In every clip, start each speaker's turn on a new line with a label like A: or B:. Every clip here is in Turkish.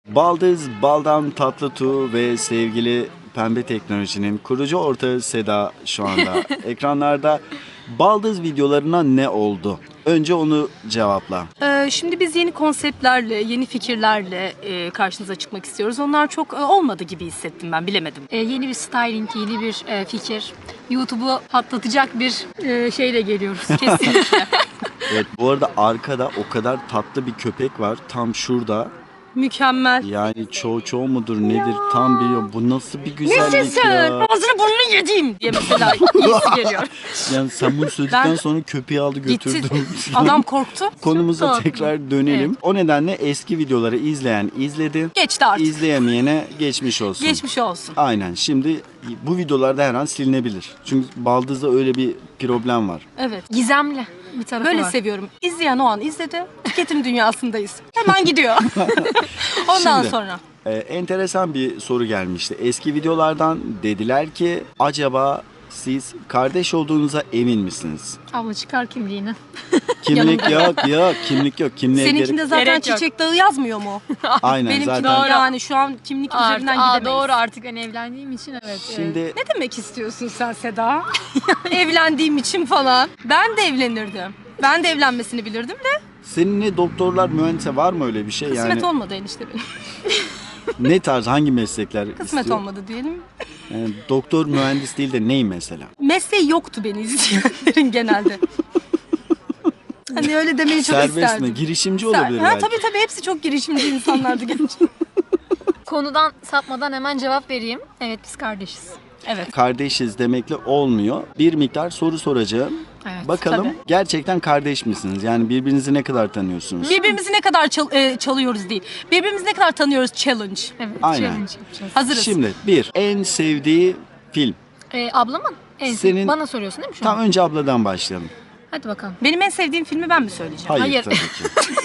A: Baldız, Baldan Tatlıtuğ ve sevgili Pembe Teknoloji'nin kurucu ortağı Seda şu anda ekranlarda. Baldız videolarına ne oldu? Önce onu cevapla.
B: Şimdi biz yeni konseptlerle, yeni fikirlerle karşınıza çıkmak istiyoruz. Onlar çok olmadı gibi hissettim ben, bilemedim.
C: Yeni bir styling, yeni bir fikir. YouTube'u patlatacak bir şeyle geliyoruz.
B: Kesinlikle.
A: Evet, bu arada arkada o kadar tatlı bir köpek var tam şurada.
B: Mükemmel.
A: Yani çoğu mudur nedir tam biliyorum. Bu nasıl bir güzellik
B: Nesin sen?
A: ya.
B: Ağzını burnunu yediğim diye mesela iyisi geliyor.
A: Yani sen bunu söyledikten sonra köpeği aldı
B: Gitti.
A: götürdü.
B: Adam korktu.
A: Konumuza
B: Tatlı.
A: tekrar dönelim. O nedenle eski videoları izleyen izledi.
B: Geçti artık.
A: İzleyemeyene geçmiş olsun.
B: Geçmiş olsun.
A: Aynen. Şimdi bu videolarda her an silinebilir. Çünkü Baldız'da öyle bir problem var.
B: Evet.
C: Gizemli bir tarafı
B: Böyle
C: var.
B: seviyorum. İzleyen o an izledi. Tüketim dünyasındayız. Hemen gidiyor. Ondan
A: Şimdi,
B: sonra.
A: Enteresan bir soru gelmişti. Eski videolardan dediler ki acaba siz kardeş olduğunuza emin misiniz?
C: Abla çıkar kimliğini.
A: Kimlik yok, kimlik yok. Kimliğe
B: Seninkinde zaten
C: Gerek yok.
B: çiçek dağı yazmıyor mu?
A: Aynen
B: Benimki
A: zaten.
B: yani şu an kimlik üzerinden gidemeyiz.
C: Doğru, artık ben evlendiğim için evet.
A: Şimdi
B: Ne demek istiyorsun sen Seda? Evlendiğim için falan. Ben de evlenirdim. Ben de evlenmesini bilirdim de.
A: senin ne doktorlar, mühendise var mı öyle bir şey?
B: Kısmet
A: Yani
B: olmadı enişte benim.
A: ne tarz, hangi meslekler
B: Kısmet
A: istiyor?
B: olmadı diyelim.
A: Yani doktor, mühendis değil de ney mesela?
B: Mesleği yoktu beni izleyenlerin genelde. Hani öyle demeyi çok
A: Serbest
B: isterdim.
A: mi? Girişimci olabilir
B: Ha,
A: belki.
B: tabii hepsi çok girişimci insanlardı gerçekten.
C: Konudan sapmadan hemen cevap vereyim. Evet, biz kardeşiz.
B: Evet.
A: Kardeşiz demekle olmuyor. Bir miktar soru soracağım.
C: Evet,
A: Bakalım
B: tabii.
A: gerçekten kardeş misiniz? Yani birbirinizi ne kadar tanıyorsunuz?
B: Birbirimizi ne kadar çalıyoruz değil. Birbirimizi ne kadar tanıyoruz challenge.
C: Evet,
A: Aynen.
C: challenge yapacağız.
B: Hazırız.
A: Şimdi en sevdiği film.
C: Ablamın en
A: Senin-
C: bana soruyorsun değil mi şu an?
A: Tam önce abladan başlayalım.
C: Hadi bakalım.
B: Benim en sevdiğim filmi ben mi söyleyeceğim?
A: Hayır,
C: Hayır.
A: tabii ki.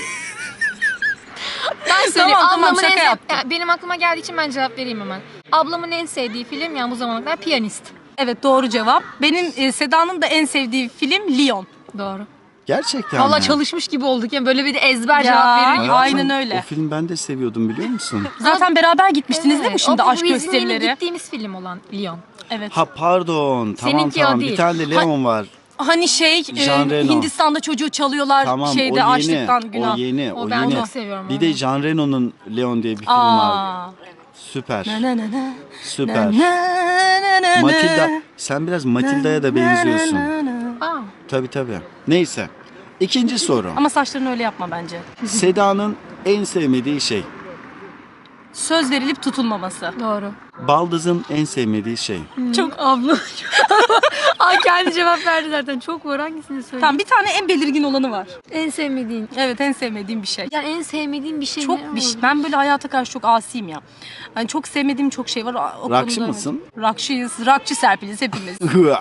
C: Ben söyleyeyim.
B: Tamam,
C: Ablamın
B: şaka
C: en
B: yaptım.
C: benim aklıma geldiği için ben cevap vereyim hemen. Ablamın en sevdiği film yani bu zamana kadar Piyanist.
B: Evet, doğru cevap. Benim Seda'nın da en sevdiği film Leon.
C: Doğru.
A: Gerçekten
C: Valla
A: mi?
C: çalışmış gibi olduk yani böyle bir de ezber
B: Ya.
C: cevap veriyor.
A: Hayatım,
B: Aynen öyle.
A: O film ben de seviyordum biliyor musun?
B: Zaten beraber gitmiştiniz değil mi şimdi
C: o
B: aşk
C: bizim
B: gösterileri?
C: gittiğimiz film olan Leon.
B: Evet.
A: Ha pardon. Tamam
C: Seninki o
A: tamam. Bir
C: değil.
A: tane de Leon var.
B: Hani
A: Jean Reno.
B: Hindistan'da çocuğu çalıyorlar
A: Tamam
B: şeyde
A: o yeni.
B: açlıktan günah.
A: O yeni.
C: O ben
A: yeni.
C: çok seviyorum
A: Bir
C: onu.
A: de Jean Reno'nun Leon diye bir film var.
B: Aa.
A: Süper.
B: Na na na na.
A: Süper.
B: Na na na na.
A: Matilda. Sen biraz Matilda'ya da benziyorsun.
B: Na na na.
C: Aa,
A: Tabii. Neyse. İkinci soru.
B: Ama saçlarını öyle yapma bence.
A: Seda'nın en sevmediği şey.
B: Söz verilip tutulmaması.
C: doğru.
A: Baldız'ın en sevmediği şey.
B: Çok
C: Abla. Ay kendi cevap verdi zaten. Çok var, hangisini söyleyeyim?
B: Tamam, bir tane en belirgin olanı var.
C: En sevmediğin.
B: Evet, en sevmediğim bir şey.
C: Yani en sevmediğin bir şey ne
B: Çok bir şey.
C: olur?
B: Ben böyle hayata karşı çok asiyim ya. Hani çok sevmediğim çok şey var. O
A: Rakçı
B: konuda-
A: mısın?
B: Rakçıyız. Rakçı Serpiliz hepimiz.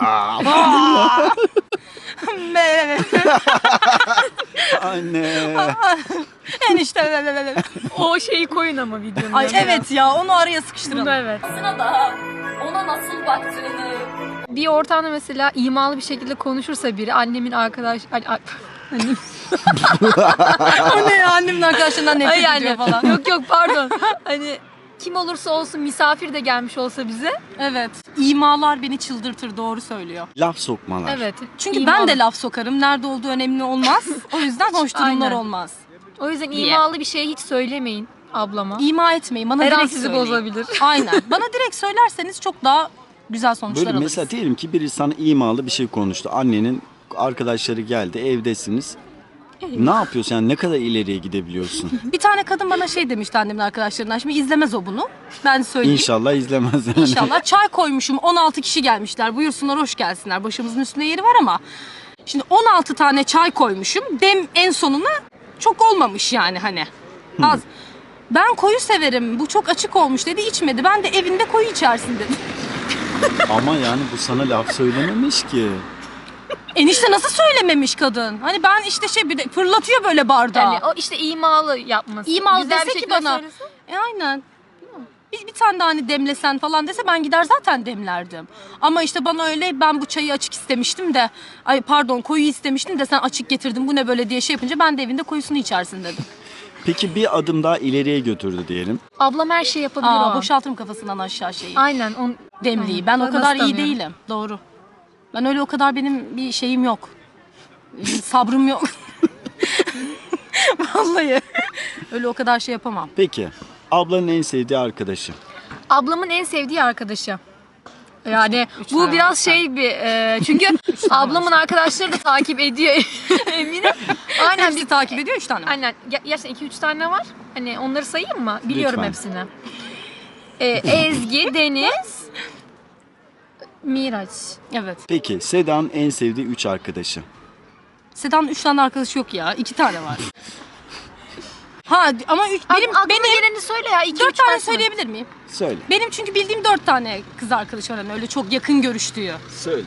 A: Anne.
B: Enişte.
C: O şeyi koyun ama videonun.
B: Ay
C: yanına.
B: evet ya, onu araya
C: Bunu
B: sıkıştıralım.
C: da evet.
B: da ona nasıl baktığını.
C: Bir ortamda mesela imalı bir şekilde konuşursa biri annemin arkadaş... Annem...
B: O ne ya, annemin arkadaşlarından nefret
C: Ay yani.
B: ediyor falan.
C: Yok pardon. Hani kim olursa olsun misafir de gelmiş olsa bize.
B: Evet. İmalar beni çıldırtır, doğru söylüyor.
A: Laf sokmalar.
C: Evet.
B: Çünkü
C: imalı.
B: ben de laf sokarım. Nerede olduğu önemli olmaz. O yüzden hoş durumlar
C: Aynen.
B: olmaz.
C: O yüzden
B: Diye.
C: imalı bir şey hiç söylemeyin ablama.
B: İma etmeyin. Bana
C: Her an
B: direkt
C: sizi
B: söyleyin.
C: bozabilir.
B: Aynen. Bana direkt söylerseniz çok daha güzel sonuçlar
A: Böyle
B: alırız.
A: mesela diyelim ki biri sana imalı bir şey konuştu. Annenin arkadaşları geldi, evdesiniz. Ne yapıyorsun yani, ne kadar ileriye gidebiliyorsun?
B: Bir tane kadın bana şey demişti annemin arkadaşlarından. Şimdi izlemez o bunu. Ben söyleyeyim.
A: İnşallah izlemez yani.
B: İnşallah. Çay koymuşum. 16 kişi gelmişler. Buyursunlar, hoş gelsinler. Başımızın üstünde yeri var ama. Şimdi 16 tane çay koymuşum. Dem en sonuna çok olmamış yani hani. Az. Ben koyu severim. Bu çok açık olmuş dedi. İçmedi. Ben de evinde koyu içersin dedim.
A: Ama yani bu sana laf söylememiş ki.
B: Enişte nasıl söylememiş kadın? Hani ben işte şey bir de fırlatıyor böyle bardağı.
C: Yani o işte imalı yapması.
B: İmalı
C: Güzel bir
B: dese ki
C: şekilde
B: bana.
C: söylese.
B: Aynen. Bir tane daha hani demlesen falan dese ben gider zaten demlerdim. Ama işte bana öyle, ben bu çayı açık istemiştim de, ay pardon koyu istemiştim de sen açık getirdin, bu ne böyle diye şey yapınca ben de evinde koyusunu içersin dedim.
A: Peki bir adım daha ileriye götürdü diyelim.
C: Ablam her şeyi yapabilir o an.
B: Boşaltırım kafasından aşağı şeyi.
C: Aynen.
B: Demliği. Ben o
C: Nasıl
B: kadar iyi
C: tanıyorum?
B: değilim. Doğru. Ben öyle o kadar benim bir şeyim yok. Sabrım yok. Vallahi. Öyle o kadar şey yapamam.
A: Peki ablanın en sevdiği arkadaşı.
C: Ablamın en sevdiği arkadaşı. Yani bu
B: tane
C: biraz şey bir çünkü ablamın arkadaşları da takip ediyor eminim. Aynen
B: Hepsi takip ediyor 3 tane.
C: Aynen. Gerçekten 2-3 tane var. Hani onları sayayım mı? Biliyorum
A: Lütfen.
C: hepsini. Ezgi, Deniz, Miraç.
B: Evet.
A: Peki Seda'nın en sevdiği 3 arkadaşı.
B: Seda'nın 3 tane arkadaşı yok ya. 2 tane var. Ha ama benim
C: geleni söyle ya. 2-3
B: 4 tane söyleyebilir miyim?
A: Söyle.
B: Benim çünkü bildiğim 4 tane kız arkadaş var. Hani öyle çok yakın görüştüğü.
A: Söyle.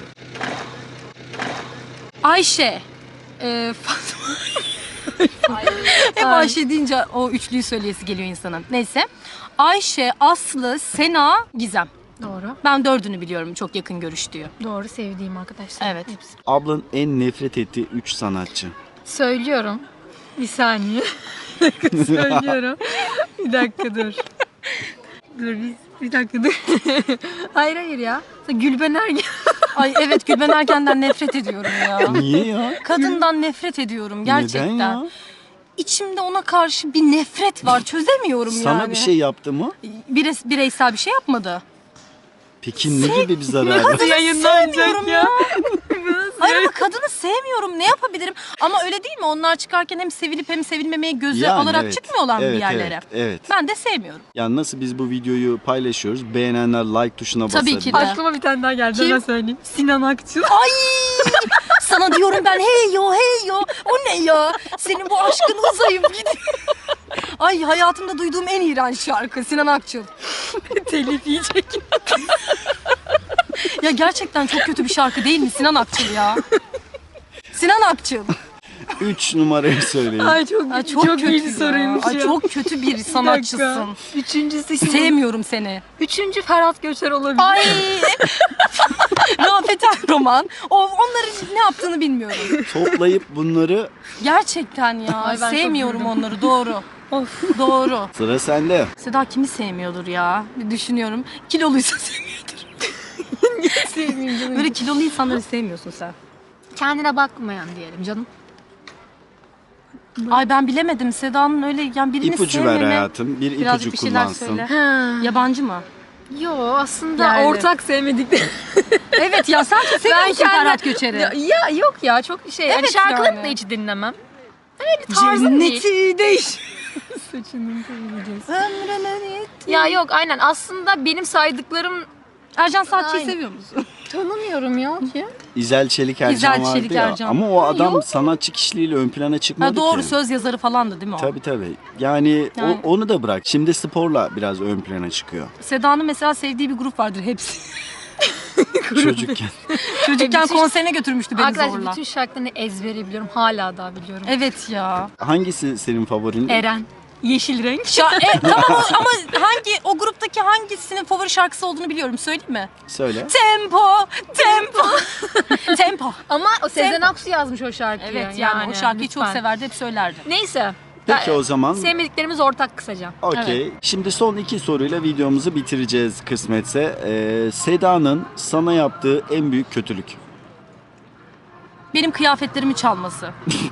B: Ayşe. Fatma. Hep Ayşe deyince o üçlüyü söyleyesi geliyor insanın. Neyse. Ayşe, Aslı, Sena, Gizem.
C: Doğru.
B: Ben 4'ünü biliyorum çok yakın görüştüğü.
C: Doğru, sevdiğim arkadaşlar.
B: Evet.
C: Hepsi.
A: Ablanın en nefret ettiği 3 sanatçı.
C: Söylüyorum. Bir saniye. Söylüyorum. Bir dakika dur. Bir dakika dur. hayır ya. Gülben Ergen.
B: Ay evet Gülben Ergen'den nefret ediyorum ya.
A: Niye ya?
B: Kadından nefret ediyorum gerçekten.
A: Neden ya?
B: İçimde ona karşı bir nefret var. Çözemiyorum yani.
A: Sana bir şey yaptı mı?
B: Bireysel bir şey yapmadı.
A: Peki ne gibi bir zararı?
B: Kadını sevmiyorum ya. Hayır ama kadını sevmiyorum. Ne yapabilirim? Ama öyle değil mi? Onlar çıkarken hem sevilip hem sevilmemeye göze
A: Yani
B: alarak
A: evet.
B: çıkmıyorlar mı bir
A: Evet,
B: yerlere?
A: evet, evet.
B: Ben de sevmiyorum.
A: Yani nasıl biz bu videoyu paylaşıyoruz? Beğenenler like tuşuna basar.
B: Tabii ki de.
C: Aklıma bir tane daha geldi.
B: Kim?
C: Hemen söyleyeyim. Sinan Akçıl.
B: Ay! Sana diyorum ben hey yo. O ne ya? Senin bu aşkın uzayıp gidiyor. Ay hayatımda duyduğum en iğrenç şarkı Sinan Akçıl.
C: Telif yiyecek.
B: Ya gerçekten çok kötü bir şarkı değil mi Sinan Akçıl ya? Sinan Akçıl.
A: 3 numarayı söyleyin.
C: Ay çok
B: Ay
C: çok
B: kötü
C: iyi bir
B: ya.
C: soruymuş
B: Ay
C: ya.
B: çok kötü bir sanatçısın.
C: Üçüncüsü kim?
B: Sevmiyorum seni.
C: Üçüncü Ferhat Göçer olabilir.
B: Ay. Rafet Roman. Onların ne yaptığını bilmiyorum.
A: Toplayıp bunları
B: Gerçekten ya.
C: Ay, ben çok
B: sevmiyorum
C: güldüm.
B: onları doğru. Of doğru.
A: sıra sende.
B: Seda kimi sevmiyordur ya? Bir düşünüyorum. Kiloluysa sevmiyordur.
C: Sevmeyeyim canım.
B: Böyle kilolu insanları sevmiyorsun sen.
C: Kendine bakmayan diyelim canım.
B: Ay ben bilemedim Seda'nın öyle yani birini
A: İpucu ver
B: sevmeme.
A: hayatım. Bir
B: Birazcık
A: ipucu
B: bir şeyler
A: kullansın.
B: söyle.
C: Ha.
B: Yabancı mı?
C: Yo aslında
B: Yani.
C: ortak sevmedikleri.
B: Evet ya sen çok seviyor musun Ferhat Göçer'i?
C: Ya yok ya çok şey.
B: Evet
C: şarkılarını
B: yani.
C: da hiç dinlemem. Öyle bir tarzım değil.
B: Cenneti değiş.
C: Saçını seveceğiz.
B: Ömrüne
C: Ya yok aynen aslında benim saydıklarım
B: Ercan Saatçı'yı
C: Aynen.
B: seviyor musun?
C: tanımıyorum ya ki.
A: İzel Çelik Ercan
B: İzel
A: vardı
B: Çelik
A: ya.
B: Ercan.
A: Ama o adam
B: Yok.
A: sanatçı kişiliğiyle ön plana çıkmadı
B: Ha, doğru
A: ki.
B: söz yazarı falandı değil mi o?
A: Tabii. Yani,
B: Yani.
A: onu da bırak. Şimdi sporla biraz ön plana çıkıyor.
B: Seda'nın mesela sevdiği bir grup vardır hepsi.
A: Çocukken.
B: Çocukken
C: bütün-
B: konserine götürmüştü beni
C: Arkadaşlar
B: zorla.
C: bütün şarkılarını ezbere biliyorum. Hala daha biliyorum.
B: Evet ya.
A: Hangisi senin favorin?
C: Eren. Yeşil renk.
B: Tamam ama o gruptaki hangisinin favori şarkısı olduğunu biliyorum. Söyleyeyim mi?
A: Söyle.
B: Tempo.
C: Ama o Sezen Aksu yazmış o şarkıyı.
B: Evet yani o şarkıyı çok
C: lütfen.
B: severdi, hep söylerdi.
C: Neyse.
A: Peki o zaman.
C: Sevmediklerimiz ortak kısaca.
A: Okey. Şimdi son 2 soruyla videomuzu bitireceğiz kısmetse. Seda'nın sana yaptığı en büyük kötülük.
B: Benim kıyafetlerimi çalması.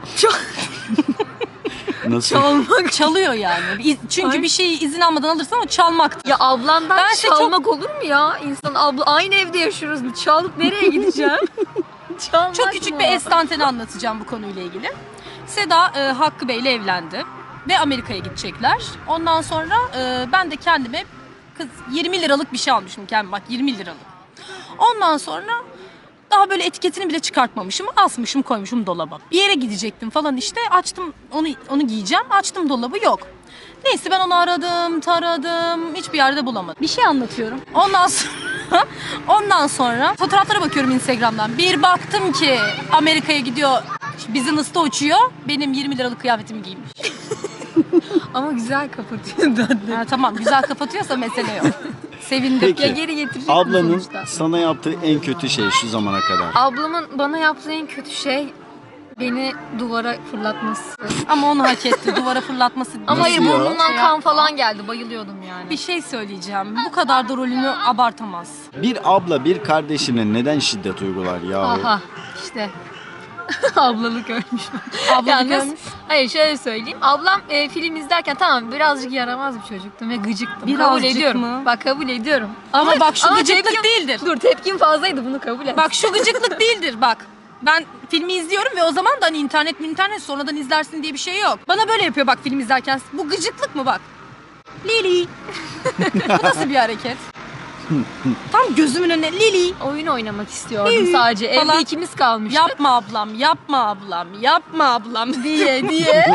A: Nasıl?
B: Çalıyor yani. Çünkü bir şeyi izin almadan alırsan o çalmaktır.
C: Ya ablandan
B: Ben size
C: çalmak olur mu ya? İnsan aynı evde yaşıyoruz. Çalıp nereye gideceğim? Çalmak
B: Çok küçük
C: mı?
B: bir estanteni anlatacağım bu konuyla ilgili. Seda Hakkı Bey'le evlendi ve Amerika'ya gidecekler. Ondan sonra ben de kendime 20 liralık bir şey almışım kendime, bak 20 liralık. Ondan sonra daha böyle etiketini bile çıkartmamışım, asmışım koymuşum dolaba. Bir yere gidecektim falan işte, açtım onu giyeceğim, açtım dolabı yok. Neyse ben onu aradım, taradım, hiçbir yerde bulamadım. Bir şey anlatıyorum. Ondan sonra fotoğraflara bakıyorum Instagram'dan. Bir baktım ki Amerika'ya gidiyor, business'ta uçuyor. Benim 20 liralık kıyafetimi giymiş.
C: Ama güzel kapatıyor.
B: Ha, tamam güzel kapatıyorsa mesele yok. Sevindim.
A: Peki.
C: Ya geri getirecek
A: Ablanın
C: sonuçta.
A: sana yaptığı en kötü şey şu zamana kadar.
C: Ablamın bana yaptığı en kötü şey Beni duvara fırlatması.
B: Ama onu hak etti. Duvara fırlatması.
C: Ama hayır,
A: ya?
C: burnumdan
B: Şey
C: kan
B: yapma.
C: falan geldi. Bayılıyordum yani.
B: Bir şey söyleyeceğim. Bu kadar da rolünü abartamaz.
A: Bir abla bir kardeşine neden şiddet uygular ya?
C: Aha işte. Ablalık ölmüş.
B: Ablalık
C: Yalnız-
B: ölmüş.
C: Hayır, şöyle söyleyeyim. Ablam film izlerken tamam birazcık yaramaz bir çocuktum ve gıcıktım. Kabul
B: Birazcık
C: ediyorum.
B: mı?
C: Bak kabul ediyorum.
B: Ama bak şu gıcıklık
C: tepkim-
B: değildir.
C: Dur, tepkim fazlaydı, bunu kabul et.
B: Bak şu gıcıklık değildir bak. Ben filmi izliyorum ve o zaman da hani internet sonradan izlersin diye bir şey yok. Bana böyle yapıyor bak film izlerken. Bu gıcıklık mı bak? Lili. Bu nasıl bir hareket? Tam gözümün önüne Lili.
C: Oyun oynamak istiyordum sadece. Evde
B: Falan.
C: ikimiz kalmıştık.
B: Yapma ablam, yapma ablam, yapma ablam
C: diye.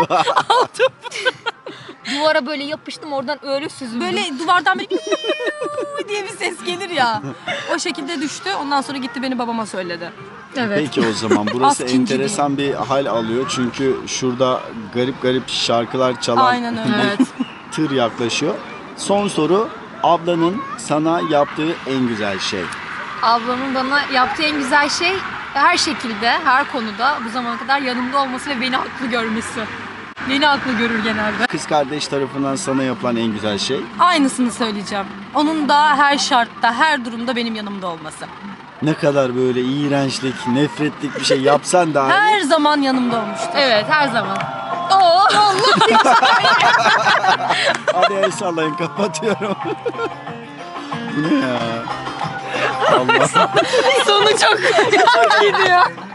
C: Duvara böyle yapıştım, oradan öyle süzüldüm.
B: Böyle duvardan böyle diye bir ses gelir ya. O şekilde düştü. Ondan sonra gitti beni babama söyledi.
C: Evet.
A: Peki o zaman burası
B: Askin gibi.
A: enteresan bir hal alıyor çünkü şurada garip garip şarkılar çalan
B: Aynen öyle.
C: Evet.
A: tır yaklaşıyor. Son soru, ablanın sana yaptığı en güzel şey.
C: Ablamın bana yaptığı en güzel şey her şekilde, her konuda bu zamana kadar yanımda olması ve beni haklı görmesi. Beni haklı görür genelde.
A: Kız kardeş tarafından sana yapılan en güzel şey.
B: Aynısını söyleyeceğim. Onun da her şartta, her durumda benim yanımda olması.
A: Ne kadar böyle iğrençlik, nefretlik bir şey yapsan da
B: Her zaman yanımda olmuştur.
C: Evet, her zaman. Oo,
A: hadi el sallayın, kapatıyorum. Bu ne ya? Allah.
C: sonu çok iyiydi ya.